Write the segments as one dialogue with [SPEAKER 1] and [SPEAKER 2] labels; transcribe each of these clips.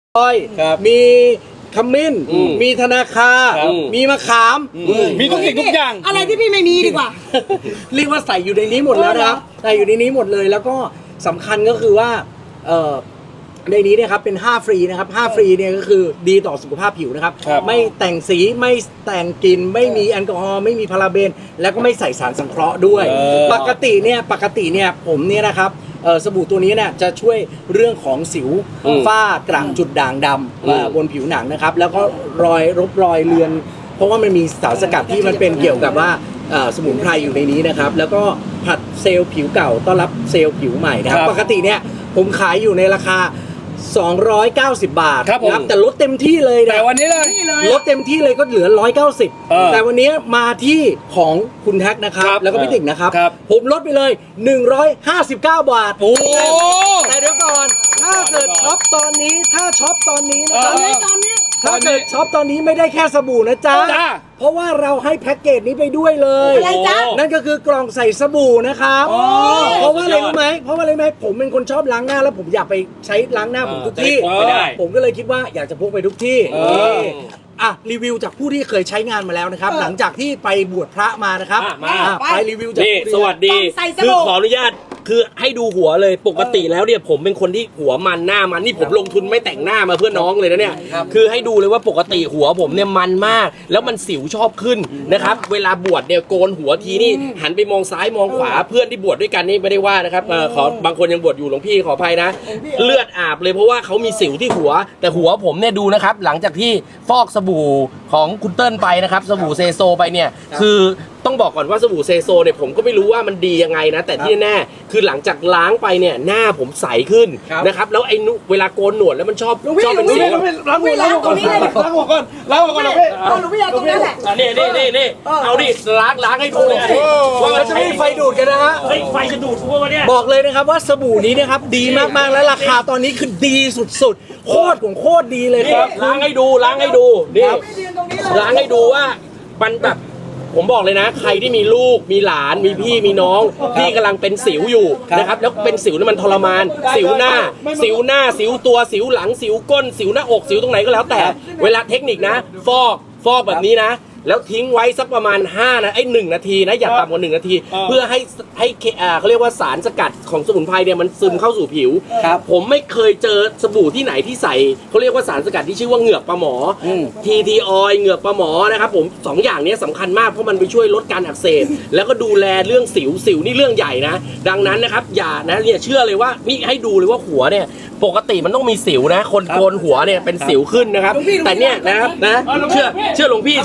[SPEAKER 1] มีขมิ้นมีธนาคารมีมะขาม
[SPEAKER 2] มีทุกสิ่งทุกอย่าง
[SPEAKER 3] อะไรที่พี่ไม่มีดีกว่า
[SPEAKER 1] เรียกว่าใส่อยู่ในนี้หมดแล้วนะครับใส่อยู่ในนี้หมดเลยแล้วก็สำคัญก็คือว่าในนี้เนี่ยครับเป็น5ฟรีนะครับ5ฟรีเนี่ยก็คือดีต่อสุขภาพผิวนะครับไม่แต่งสีไม่แต่งกลิ่นไม่มีแอลกอฮอล์ไม่มีพาราเบนแล้วก็ไม่ใส่สารสังเคราะห์ด้วยปกติเนี่ยผมเนี่ยนะครับสบู่ตัวนี้เนี่ยจะช่วยเรื่องของสิวฝ้ากระจุดด่างดำบนผิวหนังนะครับแล้วก็รอยเลือนเพราะว่ามันมีสารสกัดที่มันเป็นเกี่ยวกับว่าสมุนไพรอยู่ในนี้นะครับแล้วก็ผลัดเซลล์ผิวเก่าต้อนรับเซลล์ผิวใหม่นะครับปกติเนี่ยผมขายอยู่ในราคา290 บาทครับแต่ลดเต็มที่เลยนะ
[SPEAKER 2] แต่วันนี้เลย
[SPEAKER 1] ลดเต็มที่เลยก็เหลือ190แต่วันนี้มาที่ของคุณแท็กนะครับแล้วก็พี่ติ๋งนะครับผมลดไปเลย159 บาทแต่เดี๋ยวก่อนถ้าเกิดช็อปตอนนี้นะครับถ้าเกิดช็อปตอนนี้ไม่ได้แค่สบู่นะจ๊ะเพราะว่าเราให้แพ็กเกจนี้ไปด้วยเลย
[SPEAKER 3] อะไรจ๊ะ
[SPEAKER 1] นั่นก็คือกล่องใส่สบู่นะครับเพราะว่าอะไรรู้ไหมผมเป็นคนชอบล้างหน้าแล้วผมอยากไปใช้ล้างหน้าผมทุกที่ผมก็เลยคิดว่าอยากจะพกไปทุกที่รีวิวจากผู้ที่เคยใช้งานมาแล้วนะครับหลังจากที่ไปบวชพระมานะครับไปรีวิวจาก
[SPEAKER 4] สวัสดีคือขออนุญาตคือให้ดูหัวเลยปกติแล้วเนี่ยผมเป็นคนที่หัวมันหน้ามันนี่ผมลงทุนไม่แต่งหน้ามาเพื่อน้องเลยนะเนี่ยคือให้ดูเลยว่าปกติหัวผมเนี่ยมันมากแล้วมันสิวชอบขึ้นนะครับเวลาบวชเนี่ยโกนหัวทีนี่หันไปมองซ้ายมองขวาเพื่อนที่บวชด้วยกันนี่ไม่ได้ว่านะครับขอบางคนยังบวชอยู่หลวงพี่ขออภัยนะเลือดอาบเลยเพราะว่าเขามีสิวที่หัวแต่หัวผมเนี่ยดูนะครับหลังจากที่ฟอกสบู่ของคุณเติ้ลไปนะครับสบู่เซโซไปเนี่ยคือต้องบอกก่อนว่าสบู่เซโซเนี่ยผมก็ไม่รู้ว่ามันดียังไงนะแต่ที่แน่คือหลังจากล้างไปเนี่ยหน้าผมใสขึ้นนะครับแล้วไอ้เวลาโกนหนวดแล้วมันชอบเป็นสิว
[SPEAKER 2] ล้างหัวก่อนล้างหัวก่อน
[SPEAKER 3] หนูไม่อยากตรงนั้นแหละ
[SPEAKER 4] นี่เอาดิล้างให้ดูเลย
[SPEAKER 1] ว่าจะไม่มีไฟดูดกันนะฮะ
[SPEAKER 4] ไฟจะดูดพวกเนี่ย
[SPEAKER 1] บอกเลยนะครับว่าสบู่นี้นะครับดีมากๆและราคาตอนนี้คือดีสุดๆโคตรดีเลยครับ
[SPEAKER 4] ล้างให้ดูนี่ล้างให้ดูว่ามันแบบผมบอกเลยนะใครที่มีลูกมีหลานมีพี่มีน้องพี่กำลังเป็นสิวอยู่นะครับแล้วเป็นสิวนี่มันทรมานสิวหน้าสิวตัวสิวหลังสิวก้นสิวหน้าอกสิวตรงไหนก็แล้วแต่เวลาเทคนิคนะฟอกแบบนี้นะแล้วทิ้งไว้สักประมาณ1 นาทีนะอย่าต่ำกว่า1 นาทีเพื่อให้เขาเรียกว่าสารสกัดของสมุนไพรเนี่ยมันซึมเข้าสู่ผิวผมไม่เคยเจอสบู่ที่ไหนที่ใส่เขาเรียกว่าสารสกัดที่ชื่อว่าเหงือกปลาหมอTT Oil เหงือกปลาหมอนะครับผม2 อย่างนี้สำคัญมากเพราะมันไปช่วยลดการอักเสบแล้วก็ดูแลเรื่องสิวนี่เรื่องใหญ่นะดังนั้นนะครับอย่านะเนี่ยเชื่อเลยว่านี่ให้ดูเลยว่าหัวเนี่ยปกติมันต้องมีสิวนะคนโกนหัวเนี่ยเป็นสิวขึ้นนะครับแต่เนี่ยนะครับนะเชื่อหลวงพี่เ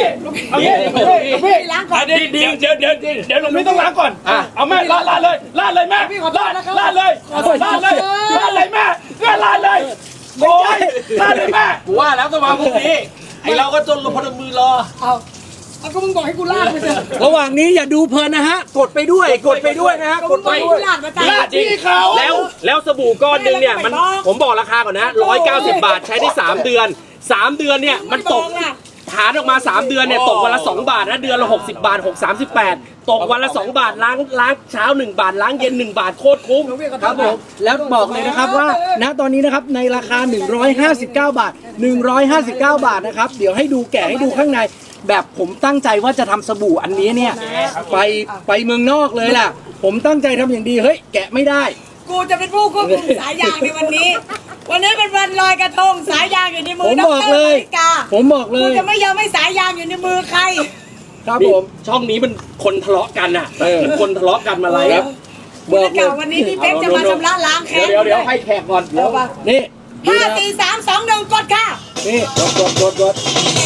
[SPEAKER 3] ล้างก่อน
[SPEAKER 2] เดี๋ยวหลวงพี่ต้องล้างก่อนเอาแม่ลาดเลยแม่ลาดเลยแม่ลาดเลยโอ้ยลาดเลยแม่
[SPEAKER 4] ว่าแล้วต้องมาพรุ่งนี้ไอเราก็จนลงพนมมือรอ
[SPEAKER 3] เอาก็มึงบอกให้กูลาดไปเถอะ
[SPEAKER 1] ระหว่างนี้อย่าดูเพลินนะฮะกดไปด้วยนะฮะกดไปด้วย
[SPEAKER 3] ลาดมาจ้า
[SPEAKER 4] ที่เขาแล้วสบู่ก้อนนึงเนี่ยมันผมบอกราคาก่อนนะ190 บาทใช้ได้3 เดือน3 เดือนเนี่ยมันตกฐานออกมา3 เดือนเนี่ยตกวันละ2 บาทนะเดือนละ60 บาท38ตกวันละ2 บาทล้างเช้า1 บาทล้างเย็น1 บาทโคตรคุ้ม
[SPEAKER 1] ครับผมแล้วบอกเลยนะครับว่าณตอนนี้นะครับในราคา159 บาทนะครับเดี๋ยวให้ดูแกะให้ดูข้างในแบบผมตั้งใจว่าจะทำสบู่อันนี้เนี่ยไปเมืองนอกเลยล่ะผมตั้งใจทำอย่างดีเฮ้ยแกะไม่ได้
[SPEAKER 3] กูจะเป็นผู้ควบคุมสายยางในวันนี้เป็นวันลอยกระทงสายยางอยู่ในมือ
[SPEAKER 1] ผมบอกเลยกู
[SPEAKER 3] จะไม่ยอมให้สายยางอยู่ในมือใคร
[SPEAKER 1] ครับผม
[SPEAKER 4] ช่องนี้มันคนทะเลาะกันอ่ะคนทะเลาะกันมาอะไรครับ
[SPEAKER 3] บอกเลยวันนี้พี่เป๊กจะมาชำระล้างแค้น
[SPEAKER 4] เดี๋ยวให้แขกก่อน
[SPEAKER 1] นี่
[SPEAKER 3] 5 4 3 2 1กดค่ะ
[SPEAKER 1] นี่กด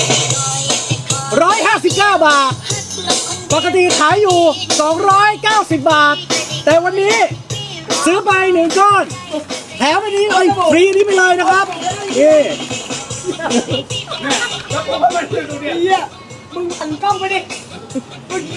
[SPEAKER 1] 159 บาทปกติขายอยู่290 บาทแต่วันนี้ซื้อไป1 ก้อนแถมอันนี้ฟรีนี้ไปเลยนะครับ
[SPEAKER 3] มึงหันกล้องไปดิมึง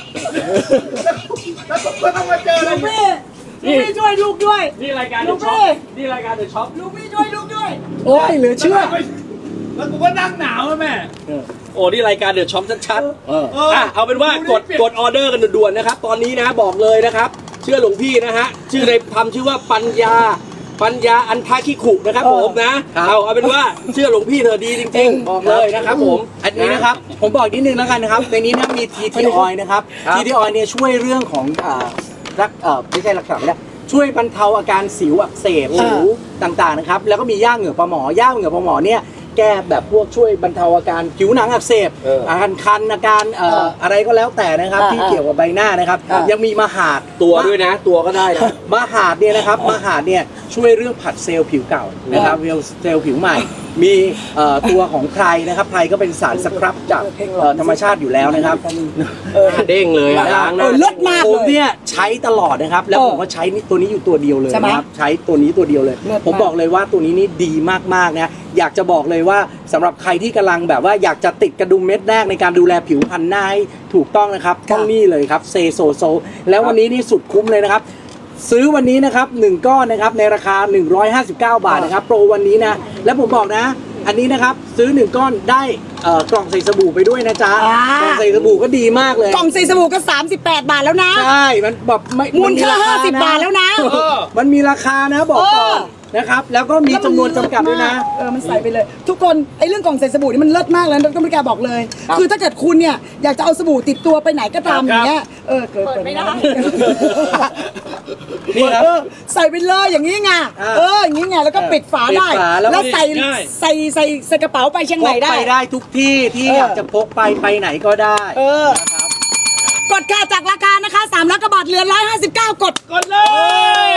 [SPEAKER 2] แล้วก็ต้องมาเจอเลย
[SPEAKER 3] ลูกพี่ช่วยลูกด้วย
[SPEAKER 4] นี่รายการเดอะช็อป
[SPEAKER 3] ลูกพี่ช่วยลูกด้วย
[SPEAKER 1] โอ้ยเหลือเชื่อ
[SPEAKER 2] แล้วกูก็นั่งหนาวแม่
[SPEAKER 4] โอ้นี่รายการเดอะช็อปชัดเอาเป็นว่ากดออเดอร์กันด่วนๆนะครับตอนนี้นะบอกเลยนะครับเชื่อหลวงพี่นะฮะชื่อในทำชื่อว่าปัญญาปัญญาอันทาคิขุนะครับผมนะครับ เอาเป็นว่าเชื่อหลวงพี่เธอดีจริงๆบอกเลยนะครับผม
[SPEAKER 1] อันนี้นะครับผมบอกนิดนึงแล้วกันนะครับในนี้นะมี TT Oil นะครับ TT Oil เนี่ยช่วยเรื่องของไม่ใช่รักษาเนี่ยช่วยบรรเทาอาการสิวอักเสบสิวต่างๆนะครับแล้วก็มีย่าเหงื่อปลาหมอย่าเหงื่อปลาหมอเนี่ยแก้แบบพวกช่วยบรรเทาอาการผิวหนังอักเสบอาการคันอาการอะไรก็แล้วแต่นะครับที่เกี่ยวกับใบหน้านะครับยังมีมหาด
[SPEAKER 4] ตัวด้วยนะ ตัวก็ได้นะ
[SPEAKER 1] มหาดเนี่ยนะครับมหาดเนี่ยช่วยเรื่องผัดเซลล์ผิวเก่านะครับเซลล์ผิวใหม่ มีตัวของไพรนะครับไพรก็เป็นสารสครับจากธรรมชาติอยู่แล้วนะครับ
[SPEAKER 4] เด้งเลยอะล้างหน้า
[SPEAKER 3] เลิศมาก
[SPEAKER 1] ผม
[SPEAKER 3] เลย
[SPEAKER 1] เนี่ยใช้ตลอดนะครับแล้วผมก็ใช้ตัวนี้อยู่ตัวเดียวเลย
[SPEAKER 3] ใช่ไหม
[SPEAKER 1] นะครับใช้ตัวนี้ตัวเดียวเลย
[SPEAKER 3] เลิศมาก
[SPEAKER 1] ผมบอกเลยว่าตัวนี้นี่ดีมากๆนะอยากจะบอกเลยว่าสำหรับใครที่กำลังแบบว่าอยากจะติดกระดุมเม็ดแรกในการดูแลผิวพรรณหน้าให้ถูกต้องนะครับต้องนี่เลยครับเซโซโซแล้ววันนี้นี่สุดคุ้มเลยนะครับ ซื้อวันนี้นะครับ1ก้อนนะครับในราคา159 บาทนะครับโปรวันนี้นะแล้วผมบอกนะ อันนี้นะครับซื้อ1ก้อนได้กล่องใส่สบู่ไปด้วยนะจ๊ะกล่องใส่สบู่ก็ดีมากเลย
[SPEAKER 3] กล่องใส่สบู่ก็38 บาทแล้วนะ
[SPEAKER 1] ใช่มันแบบไม่
[SPEAKER 3] มูลค่า
[SPEAKER 1] น
[SPEAKER 3] 50 บาทแล้วนะ
[SPEAKER 1] มันมีราคานะบอกก่อนนะครับแล้วก็มีจำนวนจำกัดด้วยนะ
[SPEAKER 3] มันใส่ไปเลย ทุกคนไอ้เรื่องกล่องใส่สบู่นี่มันเลิศมากแล้วก็ไม่กล้าบอกเลย คือถ้าเกิดคุณเนี่ยอยากจะเอาสบู่ติดตัวไปไหนก็ตามอย่างเงี้ยเกิดไม่ได้
[SPEAKER 1] นี่ครับ
[SPEAKER 3] ใส่ไปเลยอย่างนี้ไงอย่างนี้ไงแล้วก็ปิดฝาได้
[SPEAKER 1] ปิดฝาแล้ว
[SPEAKER 3] แล้วใส่กระเป๋าไปเชียง
[SPEAKER 1] พ
[SPEAKER 3] ใหม่
[SPEAKER 1] ก
[SPEAKER 3] ได้
[SPEAKER 1] ไปได้ทุกที่ที่อยากจะพกไปไหนก็ได้
[SPEAKER 3] กดค่าจากราคานะคะ300 กว่าบาทเหลือ159 กด
[SPEAKER 2] กดเลย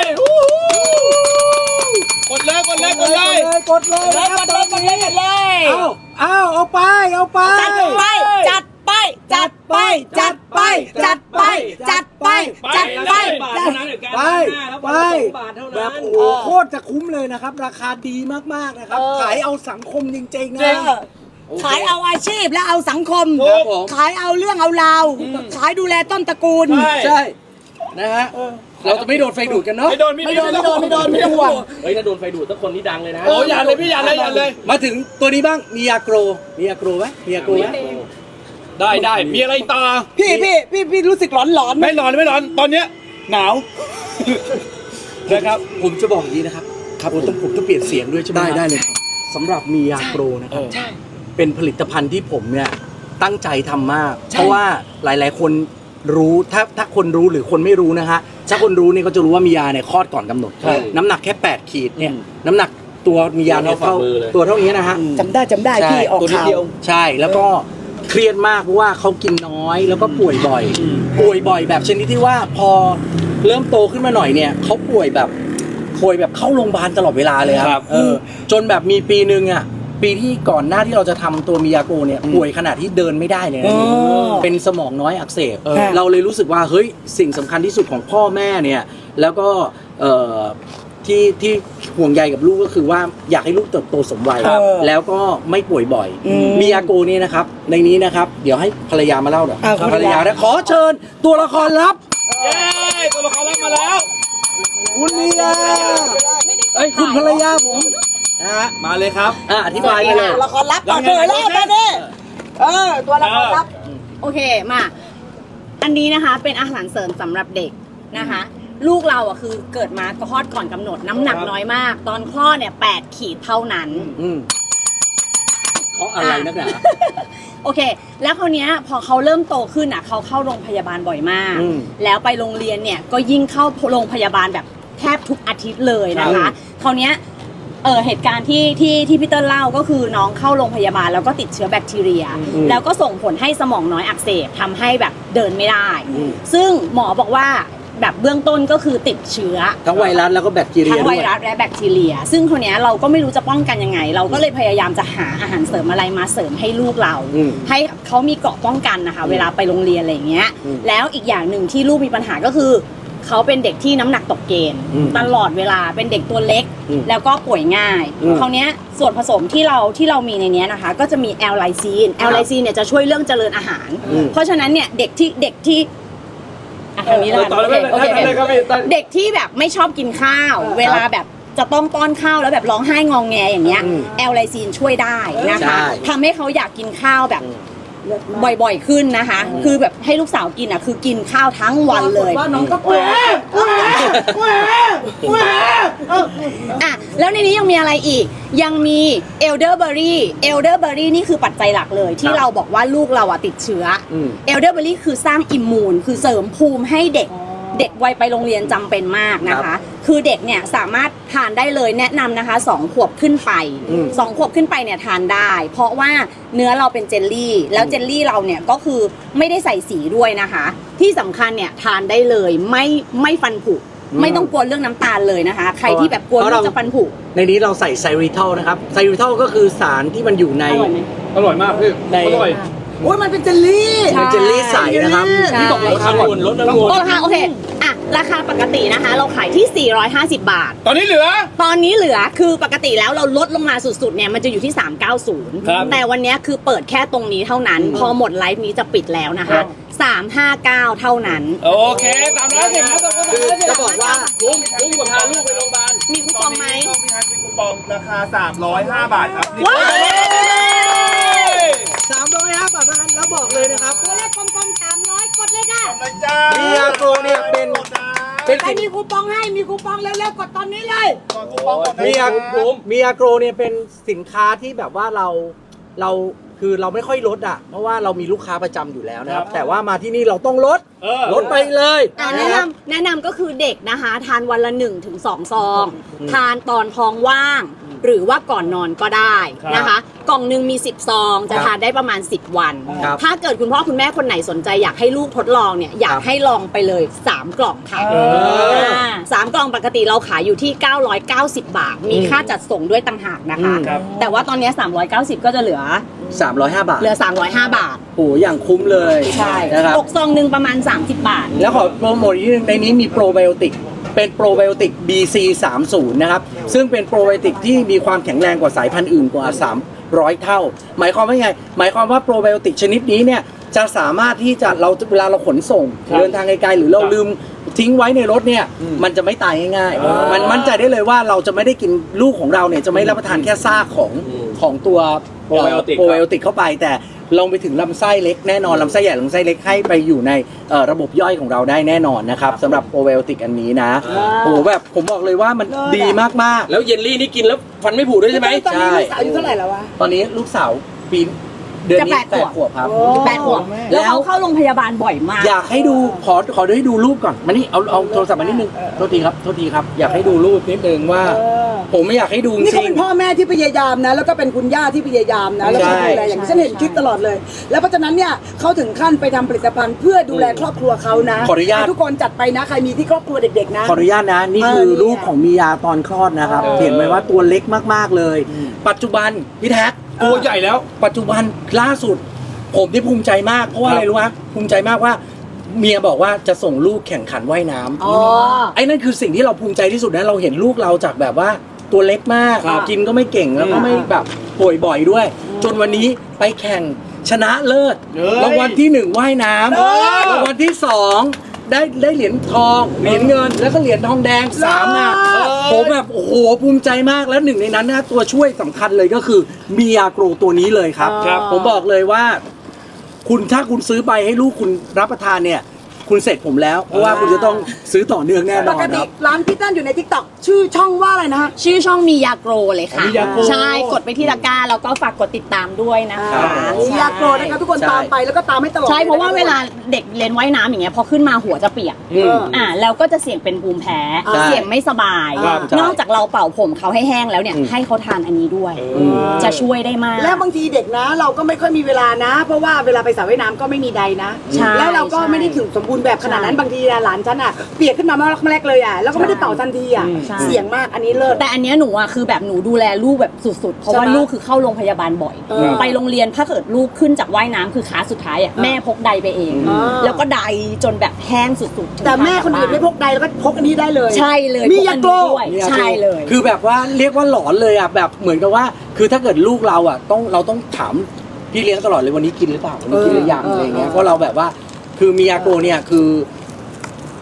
[SPEAKER 2] กดเลยกดเลยกดเลย
[SPEAKER 1] กดเลยนะครับตอนนี้
[SPEAKER 3] เลย
[SPEAKER 1] เอาไป
[SPEAKER 3] จัดไปจัดไปจัดไปจัดไปจัดไปจัดไปจัดไป
[SPEAKER 1] ไปแบบโอ้โหโคตรจะคุ้มเลยนะครับ ราคาดีมากๆนะครับขายเอาสังคมจริงๆนะ
[SPEAKER 3] ขายเอาอาชีพและเอาสังคม
[SPEAKER 1] ครับผม
[SPEAKER 3] ขายเอาเรื่องเอาราวขายดูแลต้นตระกูล
[SPEAKER 1] ใช่นะฮะเราจะไม่โดนไฟดูดกันเนาะ
[SPEAKER 2] ไม่โดนไม่โดนไม่ต้องห่วง
[SPEAKER 4] เฮ้ยถ้าโดนไฟดูดสักคนนี่ดังเลยนะ
[SPEAKER 2] โอ้ยอย่าเลยพี่อย่าเลย
[SPEAKER 1] มาถึงตัวนี้บ้างมียาโกรไหมมียาโกรไหม
[SPEAKER 2] ได้มีอะไรต่อ
[SPEAKER 3] พี่รู้สึกร้อนๆไหม
[SPEAKER 2] ไม่ร้อนตอนเนี้ยหนาวนะครับ
[SPEAKER 1] ผมจะบอกอย่างนี้นะครับผมต้องเปลี่ยนเสียงด้วยใช่ไหมได้เลยสำหรับมียาโกรนะครับเป็นผลิตภัณฑ์ที่ผมเนี่ยตั้งใจทำมาก เพราะว่าหลายๆคนรู้ถ้าคนรู้หรือคนไม่รู้นะฮะถ้าคนรู้เนี่ยก็จะรู้ว่ามียาเนี่ยคลอดก่อนกำหนด น้ำหนักแค่8 ขีดเนี่ยน้ำหนักตัวมียาเนี่ยตัวเท่านี้นะฮะ
[SPEAKER 3] จำได้พี่ออกข่าว
[SPEAKER 1] ใช่แล้วก็เครียดมากเพราะว่าเขากินน้อยแล้วก็ป่วยบ่อยแบบชนิดที่ว่าพอเริ่มโตขึ้นมาหน่อยเนี่ยเขาป่วยแบบเข้าโรงพยาบาลตลอดเวลาเลยครับจนแบบมีปีนึงอ่ะปีที่ก่อนหน้าที่เราจะทำตัวมิยาโกเนี่ยป่วยขนาดที่เดินไม่ได้เลยนะเป็นสมองน้อยอักเสบเราเลยรู้สึกว่าเฮ้ยสิ่งสำคัญที่สุดของพ่อแม่เนี่ยแล้วก็ที่ห่วงใยกับลูกก็คือว่าอยากให้ลูกเติบโตสมวัยแล้วก็ไม่ป่วยบ่อยมิยาโกเนี่ยนะครับในนี้นะครับเดี๋ยวให้ภรรยามาเล่าหน่อยภรรยาขอเชิญตัวละครลับ
[SPEAKER 2] เย้ตัวละครรับมาแล้ว
[SPEAKER 1] คุณมิยาคุณภรรยาผมนะฮะ
[SPEAKER 2] มาเลยครับ
[SPEAKER 1] อธิบายไปเลย
[SPEAKER 3] ละครลับต่อเลยแล้วตอนนี้ตัวละครลับ
[SPEAKER 5] โอเคมาอันนี้นะคะเป็นอาหารเสริมสำหรับเด็กนะคะ ลูกเราอ่ะคือเกิดมาคลอดก่อนกำหนดน้ำหนักน้อยมาก ตอนคลอดเนี่ย8 ขีดเท่านั้น
[SPEAKER 1] เพราะอะไรนักหนา
[SPEAKER 5] โอเค แล้วคราวเนี้ยพอเขาเริ่มโตขึ้นอ่ะเขาเข้าโรงพยาบาลบ่อยมาก แล้วไปโรงเรียนเนี่ยก็ยิ่งเข้าโรงพยาบาลแบบแทบทุกอาทิตย์เลยนะคะคราวเนี้ยเหตุการณ์ที่พี่เติ้ลเล่าก็คือน้องเข้าโรงพยาบาลแล้วก็ติดเชื้อแบคทีเรีย แล้วก็ส่งผลให้สมองน้อยอักเสบทำให้แบบเดินไม่ได้ ซึ่งหมอบอกว่าแบบเบื้องต้นก็คือติดเชื้อ
[SPEAKER 1] ทั้งไวรัสแล้วก็แบคทีเรีย
[SPEAKER 5] ทั้ง
[SPEAKER 1] ด้
[SPEAKER 5] ไว
[SPEAKER 1] วย
[SPEAKER 5] รัสและแบคทีเรีย ซึ่งคนนี้ยเราก็ไม่รู้จะป้องกันยังไง เราก็เลยพยายามจะหาอาหารเสริมอะไรมาเสริมให้ลูกเรา ให้เขามีเกราะป้องกันนะคะเวลาไปโรงเรียนอะไรอย่างเงี้ยแล้วอีกอย่างหนึ่งที่ลูกมีปัญหาก็คือเขาเป็นเด็กที่น้ำหนักตกเกณฑ์ตลอดเวลาเป็นเด็กตัวเล็กแล้วก็ป่วยง่ายคราวเนี้ยส่วนผสมที่เรามีในนี้นะคะก็จะมีแอลไลซีนเนี่ยจะช่วยเรื่องเจริญอาหาร เพราะฉะนั้นเนี่ยเด็กที่ทางนี้แล้วกันโอเคเด็กที่แบบไม่ชอบกินข้าวเวลาแบบจะต้องป้อนข้าวแล้วแบบร้องไห้งองแงอย่างเงี้ยแอลไลซีนช่วยได้นะคะทำให้เขาอยากกินข้าวแบบบ่อยๆขึ้นนะคะ คือแบบให้ลูกสาวกินอ่ะคือกินข้าวทั้งวันเลย
[SPEAKER 3] ว่าน้องก็แหว
[SPEAKER 5] อ่ะแล้วในนี้ยังมีอะไรอีกยังมีเอลเดอร์เบอรี่นี่คือปัจจัยหลักเลยที่เราบอกว่าลูกเราอ่ะติดเชื้อเอลเดอร์เบอรี่คือสร้างอิมมูนคือเสริมภูมิให้เด็กวัยไปโรงเรียนจำเป็นมากนะคะ คือเด็กเนี่ยสามารถทานได้เลยแนะนำนะคะ2 ขวบขึ้นไป2 ขวบขึ้นไปเนี่ยทานได้ เพราะว่าเนื้อเราเป็นเจลลี่แล้วเจลลี่เราเนี่ยก็คือไม่ได้ใส่สีด้วยนะคะ ที่สำคัญเนี่ยทานได้เลยไม่ฟันผุไม่ต้องกลัวเรื่องน้ำตาลเลยนะคะ ใครที่แบบกลัวลูกจะฟันผุ
[SPEAKER 1] ในนี้เราใส่ไซริทอลนะครับไซริทอลก็คือสารที่มันอยู่ใน
[SPEAKER 2] อร่อยมากพี่
[SPEAKER 1] ใน
[SPEAKER 2] อร่อย
[SPEAKER 3] โอ้ยมันเป็นเจลลี่
[SPEAKER 1] เป็นเจลลี่ใสนะครับ
[SPEAKER 2] พี่บอกราคาก่อนลดแล้ว
[SPEAKER 5] ราคาโอเคอ่ะราคาปกตินะคะ เราขายที่ 450 บาท
[SPEAKER 2] ตอนนี้เหลือ
[SPEAKER 5] ตอนนี้เหลือคือปกติแล้วเราลดลงมาสุดๆเนี่ยมันจะอยู่ที่
[SPEAKER 2] ครับ
[SPEAKER 5] 390 แต่วันนี้คือเปิดแค่ตรงนี้เท่านั้น พอหมดไลฟ์นี้จะปิดแล้วนะ
[SPEAKER 2] ครั
[SPEAKER 5] คะ
[SPEAKER 2] บ
[SPEAKER 5] 359 เท่านั้น
[SPEAKER 2] โอเคตามนั้นสิครับ
[SPEAKER 1] คือจะบอกว่า
[SPEAKER 4] คุ้มกว่าพาลูกไปโรงพยาบาล
[SPEAKER 5] มีคูปองไหม
[SPEAKER 6] มีคูปองราคา 305 บาทครับ
[SPEAKER 5] ว้าว
[SPEAKER 1] 305 บาทเท่านั้นแล้วบอกเลยนะครับ
[SPEAKER 5] ตัวเลขกลมๆ300กดเลยค่ะ
[SPEAKER 6] เลยจ้า
[SPEAKER 1] มียาโกเนี่ยเป็น
[SPEAKER 3] ใครมีคูปองให้มีคูปองเร็วๆกดตอนนี้เลย
[SPEAKER 6] ก่อนคูปองก่อน
[SPEAKER 1] มียา
[SPEAKER 6] นะ
[SPEAKER 1] มียาโกเนี่ยเป็นสินค้าที่แบบว่าเราคือเราไม่ค่อยลดอ่ะเพราะว่าเรามีลูกค้าประจำอยู่แล้วนะครับ แต่ว่ามาที่นี่เราต้องลดลดไปเลย
[SPEAKER 5] แนะนำก็คือเด็กนะคะ ทานวันละ 1-2 ซอง ทานตอนท้องว่าง หรือว่าก่อนนอนก็ได้นะคะ กล่องหนึ่งมี 10 ซอง จะทานได้ประมาณ 10 วัน
[SPEAKER 1] ครับ
[SPEAKER 5] ถ้าเกิดคุณพ่อคุณแม่คนไหนสนใจอยากให้ลูกทดลองเนี่ยอยากให้ลองไปเลย 3 กล่องค่ะ3 กล่องปกติเราขายอยู่ที่ 990 บาท มีค่าจัดส่งด้วยต่างหากนะคะ แต่ว่าตอนนี้ 390 ก็จะเหลือ
[SPEAKER 1] 305 บาท
[SPEAKER 5] เหลือ 305 บาท
[SPEAKER 1] โอ้อย่างคุ้มเลย
[SPEAKER 5] ใช่
[SPEAKER 1] นะครับ
[SPEAKER 5] ตกซองหนึ่งประมาณ 30 บาท
[SPEAKER 1] แล้วขอโปรโมทอีกนิดนึงในนี้มีโปรไบโอติกเป็นโปรไบโอติก BC30 นะครับซึ่งเป็นโปรไบโอติกที่มีความแข็งแรงกว่าสายพันธุ์อื่นกว่า300 เท่า หมายความว่าไงหมายความว่าโปรไบโอติกชนิดนี้เนี่ยจะสามารถที่จะเวลาเราขนส่งเดินทางไกลๆหรือเราลืมทิ้งไว้ในรถเนี่ยมันจะไม่ตายง่ายๆมันมั่นใจได้เลยว่าเราจะไม่ได้กินลูกของเราเนี่ยจะไม่รับประทานแค่ซากของตัวโปรไบโอติกเข้าไปแต่ลงไปถึงลำไส้เล็กแน่นอนลำไส้ใหญ่ลำไส้เล็กให้ไปอยู่ในระบบย่อยของเราได้แน่นอนนะครับสำหรับโปรไบโอติกอันนี้นะโอ้แบบผมบอกเลยว่ามันดีมากๆ
[SPEAKER 4] แล้วเยลลี่นี่กินแล้วฟันไม่ผุด้วยใช่ไหม
[SPEAKER 3] ตอนนี้ลูกสาวอายุเท่าไหร่แล้ววะ
[SPEAKER 1] ตอนนี้ลูกสาวปีเดือนนี้
[SPEAKER 5] จะ8
[SPEAKER 1] 8 ขวบครับ
[SPEAKER 5] 8 ขวบแล้วเขาเข้าโรงพยาบาลบ่อยมาก
[SPEAKER 1] อยากให้ดูขอให้ดูรูปก่อนมานี่เอาโทรศัพท์มานิดนึงโทษทีครับอยากให้ดูรูปนิดนึงว่า ผมไม่อยากให้ดูจ
[SPEAKER 3] นี่
[SPEAKER 1] ริ
[SPEAKER 3] เขา
[SPEAKER 1] ง
[SPEAKER 3] เป็นพ่อแม่ที่พยายามนะ แล้วก็เป็นคุณย่าที่พยายามนะ แล้วก็
[SPEAKER 1] ใช่
[SPEAKER 3] ดูแลอย่างที่ฉันเห็นคลิปตลอดเลย แล้วเพราะฉะนั้นเนี่ยเขาถึงขั้นไปทำผลิตภัณฑ์เพื่อดูแลครอบครัวเขานะ
[SPEAKER 1] ขออนุญาต
[SPEAKER 3] ให้ทุกคนจัดไปนะใครมีที่ครอบครัวเด็กๆนะ
[SPEAKER 1] ขออนุญาตนะนี่คือ
[SPEAKER 3] เนี่ย
[SPEAKER 1] รูปของมียาตอนคลอดนะครับเห็นไหมว่าตัวเล็กมากๆเลย ปัจจุบันพี่แท็ก
[SPEAKER 2] ตัวใหญ่แล้ว
[SPEAKER 1] ปัจจุบันล่าสุด ผมที่ภูมิใจมากเพราะว่าอะไรรู้ไหมภูมิใจมากว่าเมียบอกว่าจะส่งลูกแข่งขันว่ายน้ำไอ้นั่นคือสิ่งที่เราภูมิใจที่สุดนะเราเห็นลูกเราจากแบบว่าตัวเล็กมากกินก็ไม่เก่งแล้วก็ไม่แบบป่วยบ่อยด้วย จนวันนี้ไปแข่งชนะเลิศ
[SPEAKER 2] เฮ้ย
[SPEAKER 1] รางวัลที่1ว่ายน้ำรางวัลที่2ได้เหรียญทองเหรียญเงินแล้วก็เหรียญทองแดง3อ่ะผมแบบโอ้โหภูมิใจมากแล้วหนึ่งในนั้นนะตัวช่วยสำคัญเลยก็คือมียาโกรตัวนี้เลยครับ ผมบอกเลยว่า ถ้าคุณซื้อไปให้ลูกคุณรับประทานเนี่ย คุณเสร็จผมแล้ว เพราะว่าคุณจะต้องซื้อต่อเนื่องแน่น
[SPEAKER 3] ป
[SPEAKER 1] อน
[SPEAKER 3] ก
[SPEAKER 1] ค
[SPEAKER 3] ติ
[SPEAKER 1] รับ
[SPEAKER 3] ร้านพี่ตั้นอยู่ในทิกตอกชื่อช่องว่าอะไรนะฮะ
[SPEAKER 5] ชื่อช่องมียาโกรเลยค่ะ
[SPEAKER 2] มียาโกร
[SPEAKER 5] ใช่กดไปที่ตะกร้าแล้วก็ฝากกดติดตามด้วยนะคะ
[SPEAKER 3] มียาโกรนะคะทุกคน
[SPEAKER 1] ใช่
[SPEAKER 3] ตามไปแล้วก็ตามให้ตลอด
[SPEAKER 5] ใช่เพราะว่า
[SPEAKER 3] ลยน
[SPEAKER 5] เวลาเด็กเรียนว่ายน้ำอย่างเงี้ยพอขึ้นมาหัวจะเปียกแล้วก็จะเสี่ยงเป็นภูมิแพ้
[SPEAKER 1] ใช่
[SPEAKER 5] เสี่ยงไม่สบาย
[SPEAKER 1] ครับ
[SPEAKER 5] นอกจากเราเป่าผมเขาให้แห้งแล้วเนี่ยให้เขาทานอันนี้ด้วย จะช่วยได้มาก
[SPEAKER 3] แล้วบางทีเด็กนะ เราก็ไม่ค่อยมีเวลานะ เพราะว่าเวลาไปสระว่ายน้ำก็ไม่มีใดนะ
[SPEAKER 5] ใช่
[SPEAKER 3] แล้วเราก็
[SPEAKER 5] ใช่
[SPEAKER 3] ไม่ได้ถึงสมบูรณ์แบบขนาดนั้นบางทีหลานฉันอ่ะเปียกขึ้นมาเมื่อแรกเลยอ่ะแล้วก็ไม่ได้เป่าทันทีอ่ะ
[SPEAKER 5] ใช่
[SPEAKER 3] เสี่ยงมากอันนี้เลิศ
[SPEAKER 5] แต่อันเนี้ยหนูอ่ะคือแบบหนูดูแลลูกแบบสุดๆ เพราะว่า
[SPEAKER 3] ใช่ไหม
[SPEAKER 5] ลูกคือเข้าโรงพยาบาลบ่อย ไปโรงเรียนถ้าเกิดลูกขึ้นจากว่ายน้ำคือขาสุดท้ายอ่ะแม่พกใดไปเอง แล้วก็ใดจนแบบแห้งสุดๆ
[SPEAKER 3] แต่แม่คนอื่นไม่พกใดแล้วก็พกอันนี้ได้เลย
[SPEAKER 5] ใช่เลย
[SPEAKER 3] มี
[SPEAKER 5] พก
[SPEAKER 3] ยา
[SPEAKER 5] อัน
[SPEAKER 3] โกร
[SPEAKER 5] นี้ด้วยใช่เลย
[SPEAKER 1] คือแบบว่าเรียกว่าหลอนเลยอ่ะแบบเหมือนกับว่า คือถ้าเกิดลูกเราอ่ะเราต้องถามพี่เลี้ยงตลอดเลยวันนี้กินหรือเปล่าวันนี้กินหรือยังอะไรเงี้ยเพราะเราแบบว่าคือมียาโกเนี่ยคือแบบ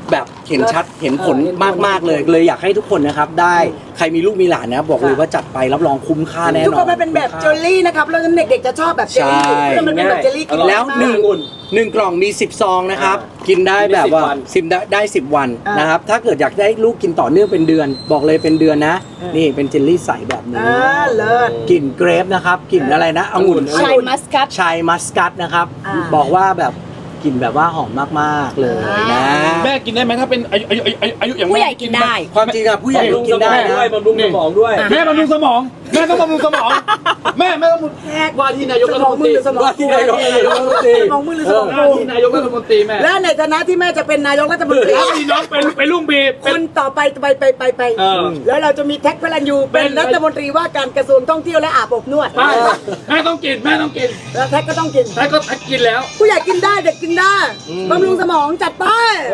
[SPEAKER 1] เห็นชัดเห็นผลมากๆเลยอยากให้ทุกคนนะครับได้ใครมีลูกมีหลานนะบอกเลยว่าจัดไปรับรองคุ้มค่าแน่นอน
[SPEAKER 3] ทุกคนมันเป็นแบบเจลลี่นะครับแล้วเด็กๆจะชอบแบบเจลลี่แล้วมันเป็นแบบเจลลี่กิน
[SPEAKER 1] แล้วหนึ่งกล่องมี10ซองนะครับกินได้แบบว่าได้10 วันนะครับถ้าเกิดอยากได้ลูกกินต่อเนื่องเป็นเดือน บอกเลยเป็นเดือนนะนี่เป็นเจลลี่ใสแบบนี้
[SPEAKER 3] เลิศ
[SPEAKER 1] กลิ่นเกรฟนะครับกลิ่นอะไรนะองุ่น
[SPEAKER 5] ชายมัสกัด
[SPEAKER 1] ชายมัสกัดนะครับ บอกว่าแบบกลิ่นแบบว่าหอมมากๆเลยนะ
[SPEAKER 2] แม่กินได้ไหมถ้าเป็นอายุอย่าง
[SPEAKER 5] ผู้ใหญ่กินได้
[SPEAKER 1] ความจริงอะผู้ใหญ่ก็กินได้นะ
[SPEAKER 4] ด้วยบำรุงสมองด้วย
[SPEAKER 2] แม่บำรุงสมองแม่ต้องบำรุงสมองแม่ต้องบำรุง
[SPEAKER 4] ว่าที่นายกรัฐมนตรี
[SPEAKER 1] ว่าที่นายกรัฐมนตรี
[SPEAKER 3] สมองมือหรือสมอง
[SPEAKER 2] ว่าที่นายกรัฐมนตรีแม่
[SPEAKER 3] และในฐานะที่แม่จะเป็นนายกรัฐมนตรี
[SPEAKER 2] แล้วมีน้องเป็นลุงบีเป็
[SPEAKER 3] คน นต่อไปแล้วเราจะมีแท็กพลันยูเป็นรัฐมนตรีว่าการกระทรวงท่องเที่ยวและอาบอบนวด
[SPEAKER 2] ไปแม่ต้องกินแม่ต้องกิน
[SPEAKER 3] แล้วแท็กก็ต้องกิน
[SPEAKER 2] แม่ก็กินแล้ว
[SPEAKER 3] ผู้ใหญ่กินได้เด็กกินได้บำรุงสมองจัดไป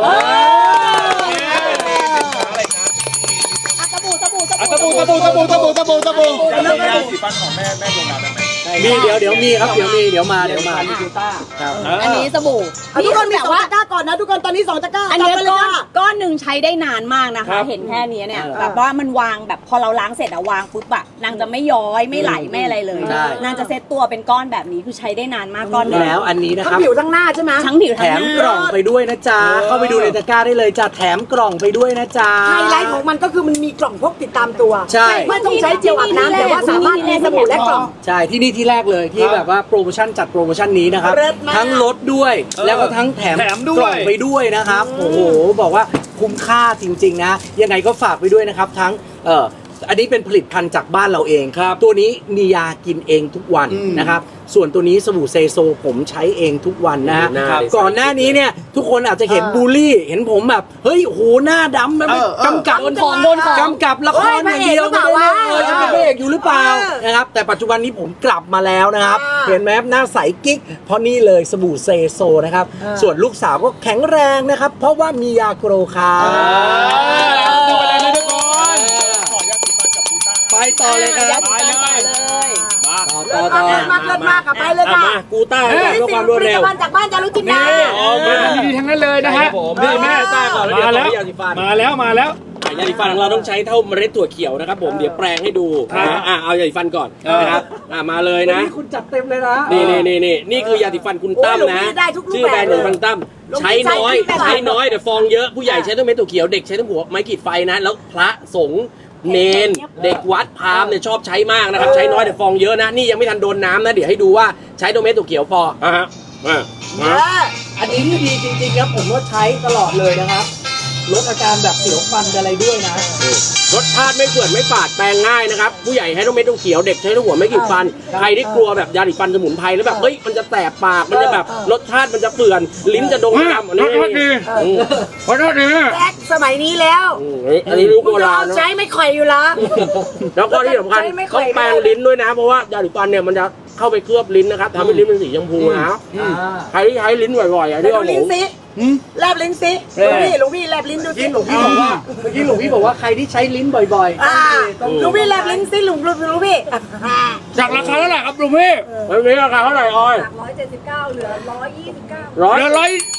[SPEAKER 5] สบู่
[SPEAKER 2] ตะบู
[SPEAKER 6] แล้วก็สีฟันของแม่ดวงดาวได้ไหม
[SPEAKER 1] มีเดี๋ยวมีครับเดี๋ยวมาครับ
[SPEAKER 5] อันนี้สบู่
[SPEAKER 3] ทุกคนมี
[SPEAKER 5] แบบ
[SPEAKER 3] 2
[SPEAKER 5] ว่า
[SPEAKER 3] ตะกร้าก่อนนะทุกคนตอนนี้2 ตะกร้า
[SPEAKER 5] อันนี้
[SPEAKER 3] จัดไปเลย
[SPEAKER 5] ก้อน
[SPEAKER 3] ค่ะ
[SPEAKER 5] ก้อนหนึ่งใช้ได้นานมากนะคะ เห็นแค่นี้เนี่ยแบบว่ามันวางแบบพอเราล้างเสร็จอะวางปุ๊บอะนางจะไม่ย้อยไม่ไหลไม่อะไรเลย นางจะเซ็ตตัวเป็นก้อนแบบนี้คือใช้ได้นานมากก้อนนี้
[SPEAKER 1] แล้วอันนี้นะค
[SPEAKER 3] ทั้
[SPEAKER 1] รั
[SPEAKER 3] ง
[SPEAKER 1] บ
[SPEAKER 3] ผิวทั้งหน้าใช่ไหม
[SPEAKER 5] ทั้งผิว
[SPEAKER 1] แถ
[SPEAKER 5] ทั้ง
[SPEAKER 1] ม
[SPEAKER 5] ห
[SPEAKER 1] กล่
[SPEAKER 5] น้า
[SPEAKER 1] องไปด้วยนะจ๊ะเข้าไปดูในตะกร้าได้เลยจ้ะแถมกล่องไปด้วยนะจ๊ะ
[SPEAKER 3] ไฮไลท์ของมันก็คือมันมีกล่องพกติดตามตัว
[SPEAKER 1] ใช่
[SPEAKER 3] ไม่ต้องใช้เจลอาบน้ำแต่ว่าสามารถมีสบู่และกล่อง
[SPEAKER 1] ใช่ที่นี่ที่แรกเลยที่แบบว่าโปรโมชั่นจัดโปรโมชั่นนี้นะครับ
[SPEAKER 3] เลิศมาก
[SPEAKER 1] ทั้งลดด้วยแล้วก็ทั้งแถม
[SPEAKER 2] แถมด้วย
[SPEAKER 1] กล่องไปด้วยนะครับโอ้โหบอกว่าคุ้มค่าจริงๆนะยังไงก็ฝากไปด้วยนะครับทั้งอันนี้เป็นผลิตภัณฑ์จากบ้านเราเองครับตัวนี้มียากินเองทุกวันนะครับส่วนตัวนี้สบู่เซโซผมใช้เองทุกวันนะฮะ
[SPEAKER 4] ครับ
[SPEAKER 1] ก่อนหน้านี้เนี่ยทุกคนอาจจะเห็นบูลลี่เห็นผมแบบเฮ้ยโอ้โหหน้าดำมันกำกับ
[SPEAKER 5] โดนของโดนของ
[SPEAKER 1] กำกับละครอย่างเดียว
[SPEAKER 3] เฮ้ยพระเอกหรือเปล่าวะ
[SPEAKER 1] จะเป็นพระเอกอยู่หรือเปล่านะครับแต่ปัจจุบันนี้ผมกลับมาแล้วนะครับเห็นไหมครับหน้าใสกิ๊กเพราะนี่เลยสบู่เซโซนะครับส่วนลูกสาวก็แข็งแรงนะครับเพราะว่ามียาโกรคา
[SPEAKER 2] ดูไปเลยนะทุกคน
[SPEAKER 6] ขอยาสีฟันกับบูต้า
[SPEAKER 1] ไปต่อเลยครับ
[SPEAKER 2] ไปเลย
[SPEAKER 1] ต่อ
[SPEAKER 3] เลิศมากเลิศมากค่ะไปเลยค่ะ
[SPEAKER 4] มากูต้าเพื่อความรวดเร็ว
[SPEAKER 3] ผลิตภัณฑ์จากบ้านจารุจินดา
[SPEAKER 2] ดีๆทั้งนั้นเลยนะฮะ
[SPEAKER 4] นี่แม่ต้าก่อนแล้วเดี๋ยว
[SPEAKER 2] มาแล้ว
[SPEAKER 4] ต่อที่ยาสีฟัน
[SPEAKER 2] มาแล้ว
[SPEAKER 4] ยาสีฟันของเราต้องใช้เท่าเมล็ดถั่วเขียวนะครับผมเดี๋ยวแปลงให้ดูนะเอายาสีฟันก่อนนะครับมาเลยนะ
[SPEAKER 1] นี่คุณจัดเต็มเลยนะ
[SPEAKER 4] นี่คือยาสีฟันคุณตั้มนะ ชื่อแบรนด์ยาสีฟันตั้มใช้น้อยแต่ฟองเยอะผู้ใหญ่ใช้ทั้งเม็ดถั่วเขียวเด็กใช้ทั้งหัวไม้ขีดไฟนะแล้วพระสงฆ์เนนเด็กวัดพราหมณ์เนี่ยชอบใช้มากนะครับใช้น้อยแต่ฟองเยอะนะนี่ยังไม่ทันโดนน้ำนะเดี๋ยวให้ดูว่าใช้ตัวเม็ดถั่วเขียวพอฮะ
[SPEAKER 1] อันนี้ที่ดีจริงๆครับผมว่าใช้ตลอดเลยนะครับลดอาการแบบเสียวฟันอะไรด้วยนะ
[SPEAKER 4] รสชาติไม่เปื่อนไม่ฝาดแปลงง่ายนะครับผู้ใหญ่ใช้ต้องเม็ดต้องเขียวเด็กใช้ต้องหัวไม่ขีดฟันใครที่กลัวแบบยาสีฟันสมุนไพรแล้วแบบเฮ้ยมันจะแสบปากมันจะแบบรสชาติมันจะเปื่อนลิ้นจะดงดำอันนี้
[SPEAKER 2] ขอโทษดีขอโทษดี
[SPEAKER 3] แจ็คสมัยนี้แล้ว
[SPEAKER 4] อันนี้รู้โบ
[SPEAKER 3] มึงจะ
[SPEAKER 4] รา
[SPEAKER 3] เอา
[SPEAKER 4] ณนะ
[SPEAKER 3] ใช้ไม่ค่อยอยู่ละ
[SPEAKER 4] แล้วก็ที่สำคัญ
[SPEAKER 3] ใช้ไม่ค่
[SPEAKER 4] ต้
[SPEAKER 3] อ
[SPEAKER 4] อย งแปรงลิ้นด้วยนะเพราะว่ายาสีฟันเนี่ยมันจะเข้าไปเคลือบลิ้นนะครับทำให้ลิ้นเป็นสีชมพูนะใครที่ใช้ลิ้นบ่อยๆอ่ะ
[SPEAKER 3] ไป
[SPEAKER 4] ที่
[SPEAKER 3] ดู
[SPEAKER 4] ว่าห
[SPEAKER 3] ลิ้
[SPEAKER 4] มู
[SPEAKER 3] นสิแลบลิ้นสิหลวงพี่แลบลิ้นดูสิ
[SPEAKER 1] เมื่อกี้หลวงพี่บอกว่าใครที่ใช้ลิ้นบ่อยๆ
[SPEAKER 3] หลวงพี่แลบลิ้นสิหลวงพี่
[SPEAKER 2] จากราคาเท่าไหร่ครับลุงพี่
[SPEAKER 4] แล้วนี้ราคาเท่าไหร่ออย
[SPEAKER 3] 179เหลือ129
[SPEAKER 4] ร้อย
[SPEAKER 2] เหลือ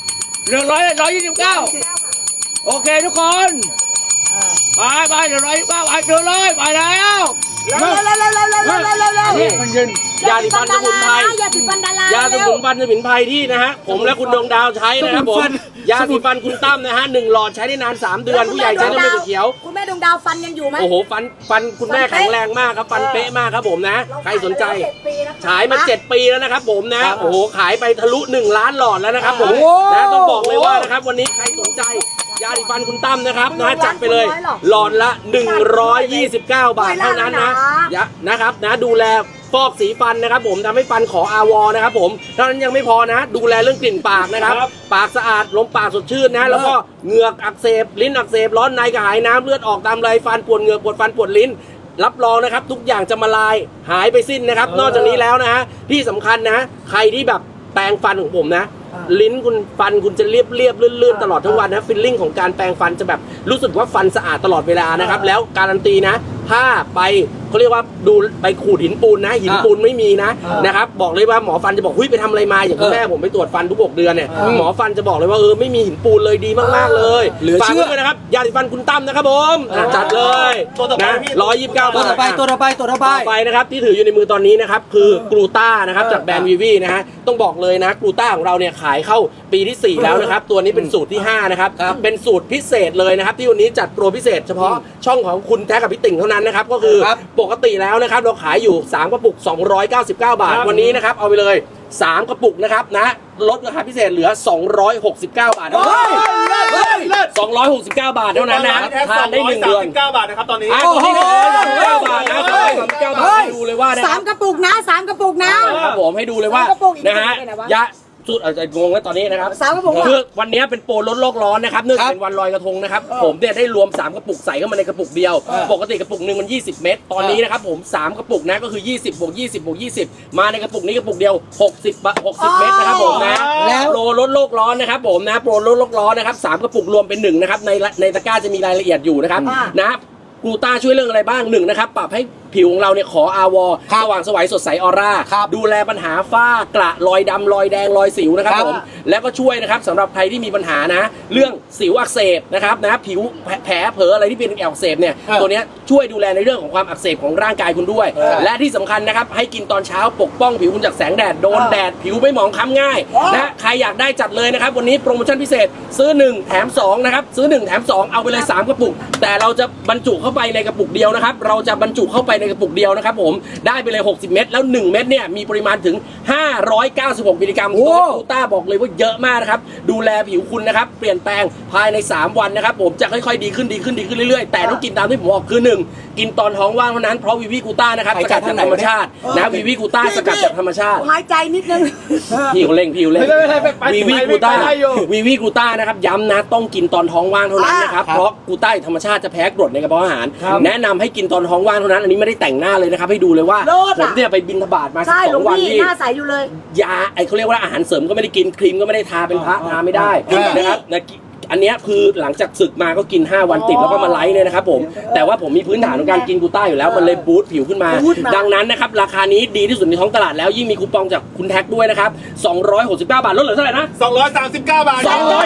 [SPEAKER 2] 129โอเคทุกคนไปเหลือ129ไปเดินเลยไปแล้ว
[SPEAKER 3] เร็ว
[SPEAKER 2] นี่มันเย็น
[SPEAKER 4] ยาสีฟันสมุนไพร
[SPEAKER 3] ยาสีฟันดาราย
[SPEAKER 4] าสมุนไพรที่นะฮะผมและคุณดวงดาวใช้นะครับผมยาสีฟันคุณตั้มนะฮะ1หลอดใช้ได้นาน3 เดือนผู้ใหญ่ใช้ได้ไม่เขียว
[SPEAKER 3] คุณแม่ดวงดาวฟันยังอยู่ไหม
[SPEAKER 4] โอ้โหฟันคุณแม่แข็งแรงมากครับฟันเป๊ะมากครับผมนะใครสนใจฉายมา7 ปีแล้วนะครับผมนะโอ้โหขายไปทะลุ1 ล้านหลอดแล้วนะครับผมนะต้องบอกเลยว่านะครับวันนี้ใครสนใจยาสีฟันคุณตั้มนะครับนะจัดไปเลยหลอดละ129 บาทเท่านั้นนะครับนะดูแลฟอกสีฟันนะครับผมทำให้ฟันขออาวอนะครับผมเท่านั้นยังไม่พอนะดูแลเรื่องกลิ่นปากนะครับปากสะอาดลมปากสดชื่นนะแล้วก็เหงือกอักเสบลิ้นอักเสบร้อนในกระหายน้ำเลือดออกตามไรฟันปวดเหงือกปวดฟันปวดลิ้นรับรองนะครับทุกอย่างจะมาลายหายไปสิ้นนะครับนอกจากนี้แล้วนะฮะที่สำคัญนะใครที่แบบแปรงฟันของผมนะลิ้นคุณฟันคุณจะเรียบลื่นตลอดทั้งวันนะฟิลลิ่งของการแปรงฟันจะแบบรู้สึกว่าฟันสะอาดตลอดเวลานะครับแล้วการันตีนะถ้าไปเขาเรียกว่าดูไปขูดหินปูนนะหินปูนไม่มีนะครับบอกเลยว่าหมอฟันจะบอกเฮ้ยไปทำอะไรมาอย่างคุณแม่ผมไปตรวจฟันทุก6 เดือนเนี่ยหมอฟันจะบอกเลยว่าไม่มีหินปูนเลยดีมากๆเลยฝากไว้ด้วยนะครับยาสีฟันคุณตั้มนะครับผมจัดเลยนะ129
[SPEAKER 1] ตัวต่อไปตัวต่อไปตัวต่อไป
[SPEAKER 4] ต่อไปนะครับที่ถืออยู่ในมือตอนนี้นะครับคือกลูต้านะครับจากแบรนด์วีวีนะฮะต้องบอกเลยนะกลูต้าของเราเนี่ยขายเข้าปีที่ 4 แล้วนะครับตัวนี้เป็นสูตรที่ 5 นะครับเป็นสูตรพิเศษเลยนะครับที่วันนี้จัดโปรพิเศษเฉพาะช่องของคุณแท็กกับพี่ติ่งเท่านั้นนะครับก็คือปกติแล้วนะครับเราขายอยู่3กระปุก299 บาทวันนี้นะครับเอาไปเลย3 กระปุกนะครับนะลดราคาพิเศษเหลือ269 บาท269 บาทเท่านั้นนะทานได้1 เดือน
[SPEAKER 6] 239 บาทนะครับตอนนี้
[SPEAKER 4] ตอนนี้239 บาทนะ239 บาทให้ดูเลยว่านะ
[SPEAKER 3] 3 กระปุกนะ 3 กระปุกนะ
[SPEAKER 4] ครับผมให้ดูเลยว่า
[SPEAKER 3] 3 กระปุกอีก
[SPEAKER 4] นะฮะ
[SPEAKER 3] เป็นไงวะ
[SPEAKER 4] ยะสุดอาจจะงงแล้วตอนนี้นะครับ
[SPEAKER 3] 3 กระปุก
[SPEAKER 4] คือวันนี้เป็นโปรลดโลกร้อนนะครับเนื่องจากเป็นวันลอยกระทงนะครับผมเนี่ยได้รวม3 กระปุกใส่เข้ามาในกระปุกเดียวปกติกระปุกหนึ่งมัน20 เม็ดตอนนี้นะครับผม3 กระปุกนะก็คือ20บวก20บวก20มาในกระปุกนี้กระปุกเดียว60 เม็ดนะครับผมนะแล้วโปรลดโลกร้อนนะครับผมนะโปรลดโลกร้อนนะครับ3 กระปุกรวมเป็น1นะครับในตะกร้าจะมีรายละเอียดอยู่นะครับนะกลูต้าช่วยเรื่องอะไรบ้าง1นะครับปรับให้ผิวของเราเนี่ยขออาวสว่างสวยสดใสออร่าดูแลปัญหาฝ้ากระรอยดำรอยแดงรอยสิวนะครับผมแล้วก็ช่วยนะครับสำหรับใครที่มีปัญหานะเรื่องสิวอักเสบนะครับนะผิวแผลเผลออะไรที่เป็นอักเสบเนี่ยตัวเนี้ยช่วยดูแลในเรื่องของความอักเสบของร่างกายคุณด้วยและที่สำคัญนะครับให้กินตอนเช้าปกป้องผิวคุณจากแสงแดดโดนแดดผิวไม่หมองคล้ำง่ายนะใครอยากได้จัดเลยนะครับวันนี้โปรโมชั่นพิเศษซื้อ1แถม2นะครับซื้อ1แถม2เอาไปเลย3 กระปุกแต่เราจะบรรจุเข้าไปในกระปุกเดียวนะครับเราจะบรรจุเข้าไปในกระปุกเดียวนะครับผมได้ไปเลย60 เม็ดแล้ว1 เม็ดเนี่ยมีปริมาณถึง596 มิลลิกรัมตัวกลูต้าบอกเลยว่าเยอะมากนะครับดูแลผิวคุณนะครับเปลี่ยนแปลงภายใน3 วันนะครับผมจะค่อยๆดีขึ้นเรื่อยๆแต่ต้องกินตามที่ผมบอกคือ1กินตอนท้องว่างเท่านั้นเพราะวีวีกลูต้านะครับสกัดจากธรรมชาตินะวีวีกลูต้าสกัดจากธรรมชาติ
[SPEAKER 3] หายใจนิดนึง
[SPEAKER 4] พี่เขาเร่งวีวีกลูต้านะครับย้ำนะต้องกินตอนท้องว่างเท่านั้นนะครับเพราะกลูต้าธรรมชาติจะแพ้กรดในกระเพาะอาหารแนะนำให้กินตอนท้องว่างเท่านั้นอันนี้ไม่ได้แต่งหน้าเลยนะครับให้ดูเลยว่าผมเนี่ยไปบิณฑบาตมา12 วันที่
[SPEAKER 3] หน้าใสอยู่เลย
[SPEAKER 4] ยาเขาเรียกว่าอาหารเสริมก็ไม่ได้กินครีมก็ไม่ได้ทาเป็นพระทาไม่ได้นะครับอันเนี้ยคือหลังจากศึกมาก็กิน5 วันติดแล้วก็มาไลฟ์เนี่ยนะครับผมแต่ว่าผมมีพื้นฐานของการกินกลูต้าอยู่แล้วมันเลยบูสต์ผิวขึ้นมาดังนั้นนะครับราคานี้ดีที่สุดในท้องตลาดแล้วยิ่งมีคูปองจากคุณแท็กด้วยนะครับ269 บาทลดเหลือเท่าไหร่นะ
[SPEAKER 6] 239 บาท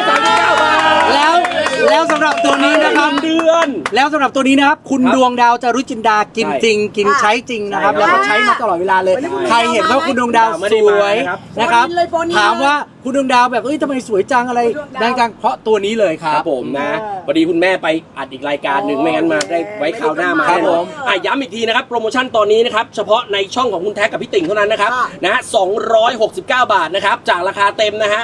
[SPEAKER 4] 239 บาท
[SPEAKER 1] แล้วสำหรับตัวนี้นะครับ
[SPEAKER 4] เดือน
[SPEAKER 1] แล้วสำหรับตัวนี้นะครับคุณดวงดาวจารุจินดากินจริงกินใช้จริงนะครับแล้วก็ใช้มาตลอดเวลาเลยใครเห็นว่าคุณดวงดาวสวยนะครับถามว่าคุณดวงดาวแบบทำไมสวยจังอะไรดังจังเพราะตัวนี้เลยค
[SPEAKER 4] ค
[SPEAKER 1] รั
[SPEAKER 4] รั
[SPEAKER 1] บบ
[SPEAKER 4] ผมนะพอดีคุณแม่ไปอัดอีกรายการหนึ่งไม่งั้นมาได้ไว้คราวหน้ามา
[SPEAKER 1] ครับผม
[SPEAKER 4] ย้ำอีกทีนะครับโปรโมชั่นตอนนี้นะครับเฉพาะในช่องของคุณแท็กกับพี่ติ่งเท่านั้นนะครับนะ269 บาทนะครับจากราคาเต็มนะฮะ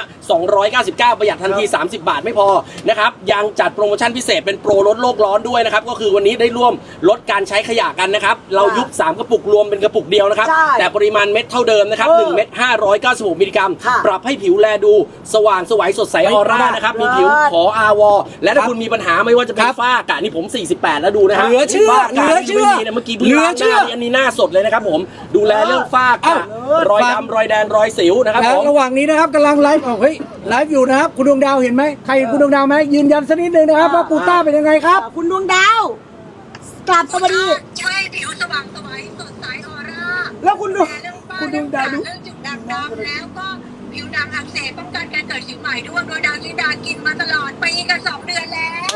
[SPEAKER 4] 299ประหยัดทันที30 บาทไม่พอนะครับยังจัดโปรโมชั่นพิเศษเป็นโปรลดโลกร้อนด้วยนะครับก็คือวันนี้ได้ร่วมลดการใช้ขยะกันนะครับเรายุบ3 กระปุกรวมเป็นกระปุกเดียวนะครับแต่ปริมาณเม็ดเท่าเดิมนะครับ1 เม็ด596 มิลลิกรัมปรับให้ผิวแลดูสว่างสวยสดใสออร่านะครับมีผิวขออาวและถ้าคุณมีปัญหาไม่ว่าจะเป็นฝ้ากระนี่ผม48แล้วดูนะฮะ
[SPEAKER 1] เหลือเชื่อ
[SPEAKER 4] ฝ้ากระนี่ไม่มีนะเมื่อกี้เพิ่งล้างหน้าอันนี้หน้าสดเลยนะครับผมดูแลเรื่องฝ้ากระรอยดำรอยแดงรอยสิวนะครับ
[SPEAKER 1] แล้ว
[SPEAKER 4] ผม
[SPEAKER 1] ระหว่างนี้นะครับกำลังไลฟ์ไลฟ์อยู่นะครับคุณดวงดาวเห็นไหมใครเห็นคุณดวงดาวไหมยืนยันสักนิดนึงนะครับว่ากลูต้าเป็นยังไงครับ
[SPEAKER 3] คุณดวงดาวกลับสวัสดี
[SPEAKER 7] ช่วยผิวสว่างสวยสดใสออร่า
[SPEAKER 3] แล้วคุณดวง
[SPEAKER 7] เรื่องฝ้า
[SPEAKER 3] คุณด
[SPEAKER 7] เรื่
[SPEAKER 3] ว
[SPEAKER 7] อง ง
[SPEAKER 3] ดาว
[SPEAKER 7] กระ
[SPEAKER 3] ดู
[SPEAKER 7] เรื่องจุดด่างดำแล้วก็ผิวหนังอักเสบป้องกันการเกิดสิวใหม่ด้วยโดยดาวลิดากินมาตลอดปีกับ2 เดือนแล้ว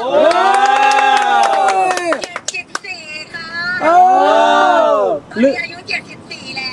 [SPEAKER 7] 74ค่ะตอนนี้อายุ74แล้ว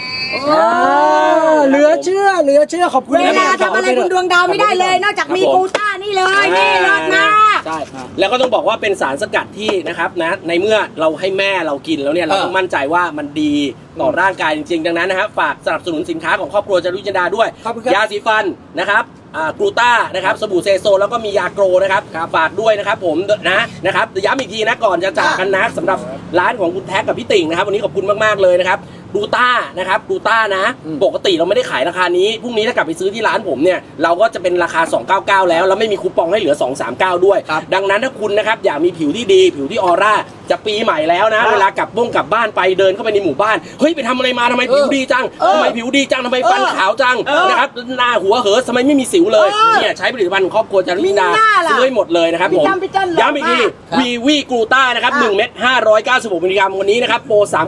[SPEAKER 1] เหลือเชื่อขอบคุณ
[SPEAKER 3] เวลาทำอะไรคุณดวงดาวไม่ได้เลย นอกจากมีกลูต้านี่เลยนี่รอดมาก
[SPEAKER 4] ใช่แล้วก็ต้องบอกว่าเป็นสารสกัดที่นะครับนะในเมื่อเราให้แม่เรากินแล้วเนี่ยเราต้องมั่นใจว่ามันดีต่อร่างกายจริงๆดังนั้นนะครับฝากสนับสนุนสินค้าของครอบครัวจารุจินดาด้วยยาสีฟันนะครับกลูต้านะครับสบู่เซโซแล้วก็มียาโกรนะครับฝากด้วยนะครับผมนะครับย้ำอีกทีนะก่อนจะจากกันนะสำหรับร้านของคุณแท็กกับพี่ติ่งนะครับวันนี้ขอบคุณมากๆเลยนะครับกลูต้านะครับกลูต้านะปกติเราไม่ได้ขายราคานี้พรุ่งนี้ถ้ากลับไปซื้อที่ร้านผมเนี่ยเราก็จะเป็นราคา299แล้วไม่มีคูปองให้เหลือ239ด้วยดังนั้นถ้าคุณนะครับอยากมีผิวที่ดีผิวที่ออร่าจะปีใหม่แล้วนะเวลากลับบ้านไปเดินเข้าไปในหมู่บ้านเฮ้ยไปทำอะไรมาทำไมผิวดีจังทำไมผิวดีจังทำไมฟันขาวจังนะครับหน้าหัวเหอทำไมไม่มีสิวเลยเนี่ยใช้ผลิตภัณฑ์ของครอบครัวจารุจินดาซื้อให้หมดเลยนะครับผมย้ำอีกทีวีวีกลูต้านะครับ1 เม็ด596 มิลลิกรัมวันนี้นะครับโปร3 กระปุก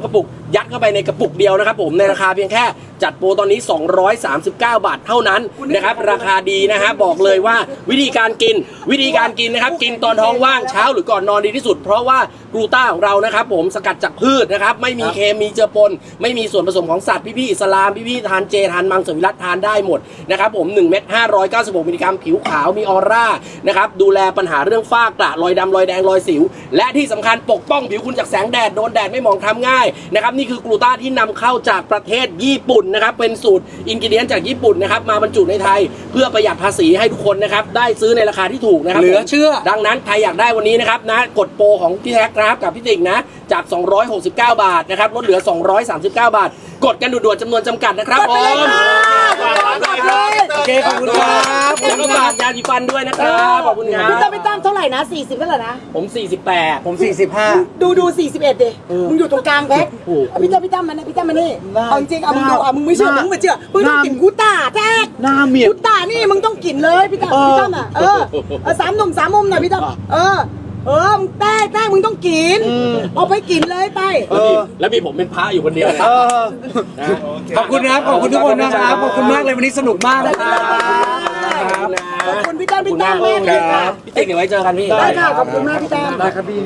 [SPEAKER 4] ยัดเข้าไปในกระปุกเดียวนะครับผมในราคาเพียงแค่จัดโปรตอนนี้ 239 บาทเท่านั้นนะครับราคาดีนะฮะบอกเลยว่าวิธีการกินนะครับกินตอนท้องว่างเช้าหรือก่อนนอนดีที่สุดเพราะว่ากลูต้าของเรานะครับผมสกัดจากพืชนะครับไม่มีเคมีเจือปนไม่มีส่วนผสมของสัตว์พี่ๆอิสลามพี่ๆทานเจทานมังสวิรัติทานได้หมดนะครับผม1เม็ด596มิลลิกรัมผิวขาวมีออร่านะครับดูแลปัญหาเรื่องฝ้ากระรอยดำรอยแดงรอยสิวและที่สำคัญปกป้องผิวคุณจากแสงแดดโดนแดดไม่หมองคล้ำง่ายนะครับนี่คือกลูต้าที่นำเข้าจากประเทศญี่ปุ่นนะครับเป็นสูตรอินกิเดียนจากญี่ปุ่นนะครับมาบรรจุในไทยเพื่อประหยัดภาษีให้ทุกคนนะครับได้ซื้อในราคาที่ถูกนะครับ
[SPEAKER 1] เหลือเชื่อ
[SPEAKER 4] ดังนั้นใครอยากได้วันนี้นะครับนะกดโปรของพี่แท็กนะครับกับพี่ติ๊กนะจาก269 บาทนะครับลดเหลือ239 บาทกดกันด่วนๆจำนวนจำกัดนะครับผม
[SPEAKER 1] โอเคขอบคุณครับ
[SPEAKER 4] แล้วก็ฝากยาสีฟันด้วยนะครับขอบคุณครั
[SPEAKER 3] พี่
[SPEAKER 4] บ
[SPEAKER 3] ตั้มเท่าไหร่นะ40เท่าไหร่นะ
[SPEAKER 4] ผม 48
[SPEAKER 1] ผม 45
[SPEAKER 3] ดู41ดิมึงอยู่ตรงกลางแพ็คพี่ตั้มมานะพี่ตั้มมานี่เอาจริงเอามึงดูเอามึงไม่เชื่อมึงไม่เชื่อมึงต้องกินกูต้าแท็ก
[SPEAKER 1] หน้าเมีย
[SPEAKER 3] กูต้านี่มึงต้องกินเลยพี่ตั้มอ่ะสามหนุ่มสามมุมหน่อยพี่ตั้มมึงแต้มึงต้องกินเอาไปกินเลยไป
[SPEAKER 4] แล้วมีผมเป็นพระอยู่คนเดียวนะ
[SPEAKER 1] ขอบคุณนะครับขอบคุณทุกคนนะครับขอบคุณมากเลยวันนี้สนุกมากนะครับ
[SPEAKER 3] ขอบคุณพี่ตั้มมากเลยค่ะ
[SPEAKER 4] พี่ติ๊กเดี๋ยวไว้เจอกันพี่
[SPEAKER 3] ได้ค่ะขอบคุณมากพี่ตั้ม
[SPEAKER 1] ได้ครับพี่